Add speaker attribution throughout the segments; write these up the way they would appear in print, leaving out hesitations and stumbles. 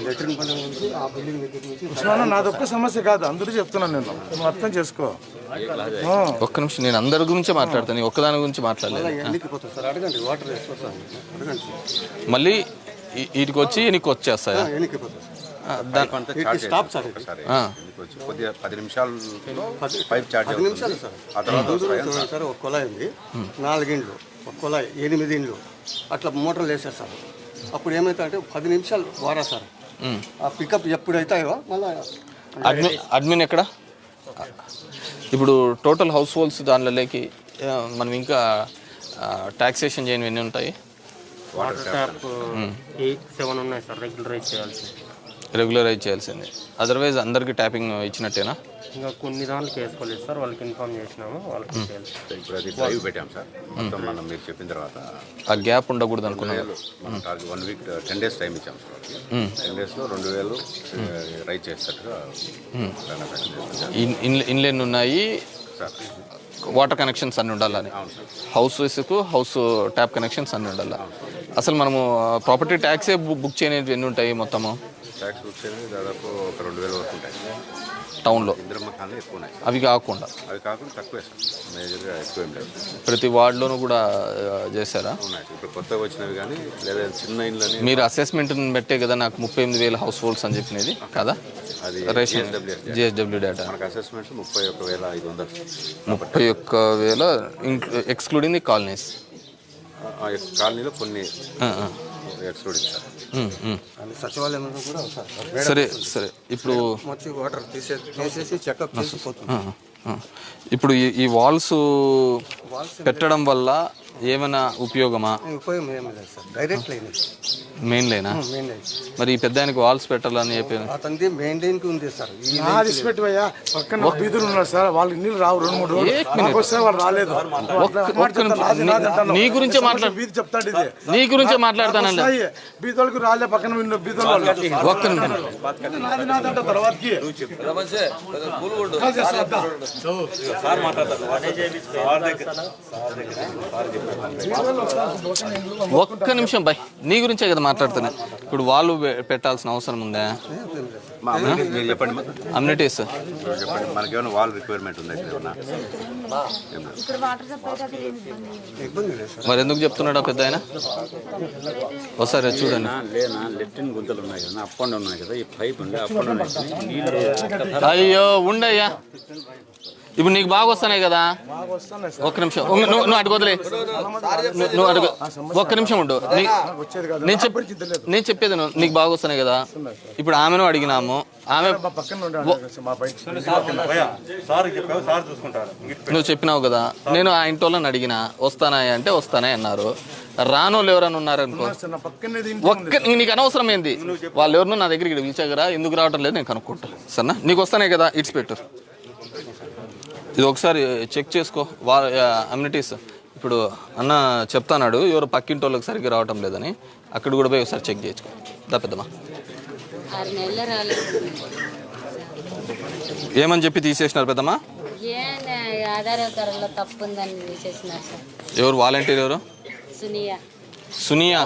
Speaker 1: Latrine పని ఉంది ఆ బిల్డింగ్ దగ్గర నుంచి.
Speaker 2: నాదొక్క సమస్య కాదు, అందరూ చెప్తున్నాను నేను, నువ్వు అర్థం చేసుకో.
Speaker 3: ఒక్క నిమిషం, నేను అందరి గురించి మాట్లాడతాను, ఒక్కదాని గురించి మాట్లాడలేదు.
Speaker 1: ఎన్నికిపోతుంది సార్, అడగండి. వాటర్ వేసుకోవాలి అడగండి.
Speaker 3: మళ్ళీ వీటికి వచ్చి ఎన్నికి వచ్చేస్తాయా?
Speaker 1: ఎన్నికిపోతుంది
Speaker 4: స్టాప్ సార్. కొద్దిగా 10 నిమిషాలు పైప్ చార్జ్
Speaker 1: 10 నిమిషాలు సార్. ఆ తర్వాత సార్ ఒక కుళాయి ఉంది, 4 ఇండ్లు, ఒక కుళాయి 8 ఇండ్లు అట్లా మోటార్లు వేసారు సార్. అప్పుడు ఏమవుతాయంటే 10 నిమిషాలు వారా సార్. ఆ పికప్ ఎప్పుడైతాయో మళ్ళీ
Speaker 3: అడ్మిన్ ఎక్కడ? ఇప్పుడు టోటల్ హౌస్ హోల్డ్స్ దానిలోకి మనం ఇంకా టాక్సేషన్ చేయనివి ఎన్ని ఉంటాయి?
Speaker 5: వాటర్ ట్యాప్ 8-7 ఉన్నాయి సార్,
Speaker 3: రెగ్యులరైజ్ చేయాల్సింది. అదర్వైజ్ అందరికి ట్యాపింగ్ ఇచ్చినట్టేనా?
Speaker 5: ఇంకా కొన్ని దాంట్లోకి వేసుకోలేదు సార్, వాళ్ళకి ఇన్ఫార్మ్ చేసినాము, వాళ్ళకి
Speaker 4: ఇప్పుడు అది డ్రైవ్ పెట్టాం సార్. మొత్తం మనం మీరు చెప్పిన తర్వాత
Speaker 3: ఆ గ్యాప్ ఉండకూడదు అనుకున్నాను.
Speaker 4: మనం 1 వీక్ 10 days టైం ఇచ్చాం సార్. 10 daysలో 2000 రైజ్ చేసేటట్టుగా
Speaker 3: ఇన్లైన్ ఉన్నాయి
Speaker 4: సార్.
Speaker 3: వాటర్ కనెక్షన్స్ అన్నీ ఉండాలని, హౌసెస్కు హౌస్ ట్యాప్ కనెక్షన్స్ అన్నీ ఉండాలి. అసలు మనము ప్రాపర్టీ ట్యాక్సే బుక్ చేయనివి ఎన్ని ఉంటాయి మొత్తము?
Speaker 4: ట్యాక్స్ బుక్ చేయడానికి దాదాపు ఒక 2000 వరకు ఉంటాయి
Speaker 3: టౌన్లో.
Speaker 4: ఇంద్రమ్మ ఖాన్లు ఎక్కువ ఉన్నాయి.
Speaker 3: అవి కాకుండా
Speaker 4: తక్కువే సార్, మేజర్గా ఎక్కువ ఏం లేదు.
Speaker 3: ప్రతి వార్డులోనూ కూడా చేశారా?
Speaker 4: ఉన్నాయి ఇప్పుడు కొత్తగా వచ్చినవి, కానీ లేదా చిన్న ఇళ్ళని.
Speaker 3: మీరు అసెస్మెంట్ని పెట్టే కదా నాకు 38,000 హౌస్ హోల్డ్స్ అని చెప్పినది కదా?
Speaker 4: అది
Speaker 3: రేషన్ జిఎస్డబ్ల్యూ డేటా.
Speaker 4: మనకు అసెస్మెంట్స్ 31,500.
Speaker 3: 31,000 excluding the colonies.
Speaker 4: కాలనీలో కొన్ని ఎక్స్క్లూడింగ్ సార్.
Speaker 1: సచివాలయంలో కూడా
Speaker 3: సరే సరే. ఇప్పుడు
Speaker 1: వచ్చి వాటర్ తీసేసి చెకప్ చేసిపోతుంది.
Speaker 3: ఇప్పుడు ఈ వాల్స్ పెట్టడం వల్ల ఏమైనా ఉపయోగమా?
Speaker 1: ఉపయోగం ఏమి లేదు సార్, డైరెక్ట్ లైన్.
Speaker 3: మెయిన్ లైనా? మరి ఈ పెద్ద ఆయనకి వాల్స్ పెట్టాలని చెప్పి
Speaker 1: అతనిది మెయిన్ లైన్ కి ఉంది సార్.
Speaker 2: పెట్టిపోయా పక్కన బీదులు ఉన్నారు సార్, వాళ్ళకి నీళ్ళు రావు 2-3 రోజులు వాళ్ళు రాలేదు.
Speaker 3: నీ గురించే మాట్లాడు,
Speaker 2: బీది చెప్తాడు ఇది,
Speaker 3: నీ గురించే మాట్లాడతాను.
Speaker 2: బీదోళ్ళకి రాలే, పక్కన బీదోళ్ళు
Speaker 3: ఒక్క నిమిషం.
Speaker 2: తర్వాతకి
Speaker 3: ఒక్క నిమిషం బాయ్, నీ గురించే కదా మాట్లాడుతున్నా. ఇప్పుడు వాళ్ళు పెట్టాల్సిన అవసరం ఉందా?
Speaker 4: మీరు చెప్పండి.
Speaker 3: అమ్యూనిటీస్
Speaker 4: చెప్పండి, మనకేమైనా వాల్ రిక్వైర్మెంట్ ఉందా?
Speaker 3: మరి ఎందుకు చెప్తున్నాడా పెద్ద ఆయన? ఒకసారి చూడండి.
Speaker 4: లెఫ్టిన్ గుంతలు ఉన్నాయి కదా, అప్ అండ్ ఉన్నాయి కదా, ఈ పైప్ ఉండే అప్ అండ్ ఉన్నాయి.
Speaker 3: అయ్యో ఉండయ్యా, ఇప్పుడు నీకు బాగా వస్తున్నాయి కదా. ఒక్క నిమిషం, నువ్వు అడుగుదలే, నువ్వు అడుగు. ఒక్క నిమిషం ఉండు, నేను చెప్పేది నీకు బాగా వస్తున్నాయి కదా. ఇప్పుడు ఆమెను అడిగినాము, ఆమె నువ్వు చెప్పినావు కదా. నేను ఆ ఇంటి వాళ్ళని అడిగినా వస్తానాయి అంటే వస్తానాయి అన్నారు. రానోళ్ళు ఎవరైనా ఉన్నారనుకో, నీకు అనవసరం ఏంది? వాళ్ళు ఎవరినో నా దగ్గరికి పిలిచాగరా, ఎందుకు రావటం లేదు నేను కనుక్కుంటా. సరేనా? నీకు వస్తానే కదా, ఇట్స్ పెట్టు. ఇది ఒకసారి చెక్ చేసుకో. అమ్యూనిటీస్ ఇప్పుడు అన్న చెప్తాన్నాడు, ఎవరు పక్కింటి వాళ్ళకి సరిగ్గా రావటం లేదని. అక్కడ కూడా పోయి ఒకసారి చెక్ చేసుకో. దా పెద్దమ్మా, ఏమని చెప్పి తీసేసినారు పెద్దమ్మా? ఎవరు వాలంటీర్? ఎవరు? సునియా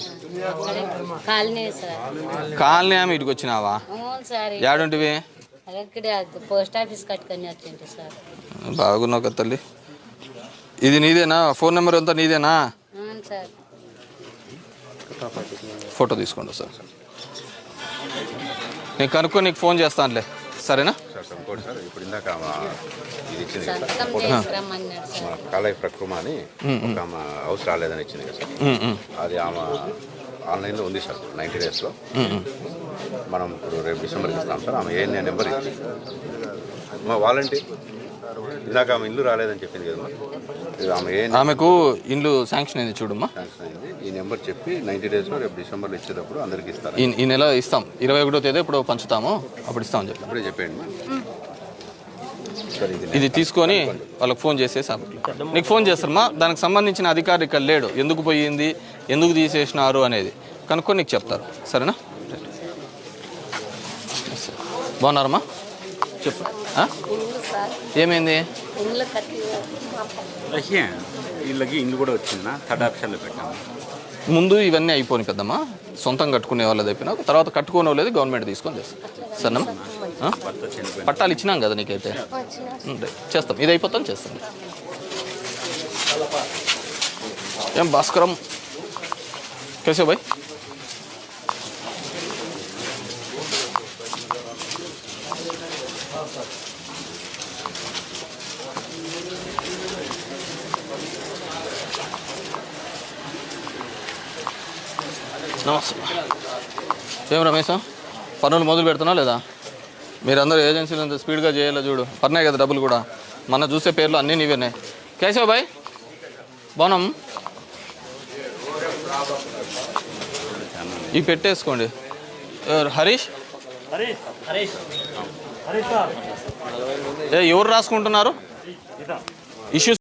Speaker 3: కాలనీ ఆమె ఇటుకు వచ్చినావా? ఏడుంటివి?
Speaker 6: పోస్ట్ ఆఫీస్ కట్టుకొని వచ్చింది సార్.
Speaker 3: బాగున్నావు కదా తల్లి. ఇది నీదేనా? ఫోన్ నెంబర్ అంతా నీదేనా?
Speaker 6: సార్
Speaker 3: ఫోటో తీసుకోండి సార్, నేను కనుక్కొని నీకు ఫోన్ చేస్తానులే, సరేనా?
Speaker 4: ఇప్పుడు ఇందాక ఇది ఇచ్చింది కాలై ప్రక్రమ అని ఒక ఆమె హౌస్ రాలేదని ఇచ్చింది కదా సార్. అది ఆమె ఆన్లైన్లో ఉంది సార్ 90 daysలో. మనం ఇప్పుడు రేపు డిసెంబర్కి ఇస్తాం సార్. ఆమె ఏఎన్ఏ నెంబర్ ఇచ్చి మా వాలంటీర్ ఇందాక ఆమె ఇల్లు రాలేదని చెప్పింది కదమ్మా,
Speaker 3: ఆమెకు ఇల్లు శాంక్షన్ అయింది చూడమ్మా.
Speaker 4: శాంక్షన్ అయింది. ఈ నెంబర్ చెప్పి 90 daysలో రేపు డిసెంబర్లో ఇచ్చేటప్పుడు అందరికి ఇస్తారు.
Speaker 3: ఈ నెల ఇస్తాం, 21వ తేదీ ఇప్పుడు పంచుతాము, అప్పుడు ఇస్తామని చెప్పి
Speaker 4: అప్పుడే చెప్పండి.
Speaker 3: ఇది తీసుకొని వాళ్ళకి ఫోన్ చేసేసి నీకు ఫోన్ చేస్తారమ్మా. దానికి సంబంధించిన అధికారి ఇక్కడ లేడు, ఎందుకు పోయింది, ఎందుకు తీసేసినారు అనేది కనుక్కొని నీకు చెప్తారు, సరేనా? బాగున్నారమ్మా? చెప్పు, ఏమైంది?
Speaker 7: వీళ్ళకి ఇల్లు కూడా వచ్చిందా? 3rd ఆప్షన్లో పెట్టాము.
Speaker 3: ముందు ఇవన్నీ అయిపోయి పెద్దమ్మా, సొంతంగా కట్టుకునే వాళ్ళది అయిపోయినా తర్వాత కట్టుకునే వాళ్ళది గవర్నమెంట్ తీసుకొని చేస్తాం సరేనమ్మా పట్టాలు ఇచ్చినాం కదా నీకైతే చేస్తాం ఇది అయిపోతాం చేస్తాం ఏం భాస్కరం कैसे भाई నమస్తే ఏం రమేష్ పనులు మొదలు పెడుతున్నా లేదా మీరందరూ ఏజెన్సీలు అంత స్పీడ్గా చేయాలి చూడు పడినాయి కదా డబ్బులు కూడా మన చూసే పేర్లు అన్నీ నీవేనాయి కేశవ్ భాయ్ బాగున్నాం ఇవి పెట్టేసుకోండి హరీష్ ఎవరు రాసుకుంటున్నారు ఇష్యూస్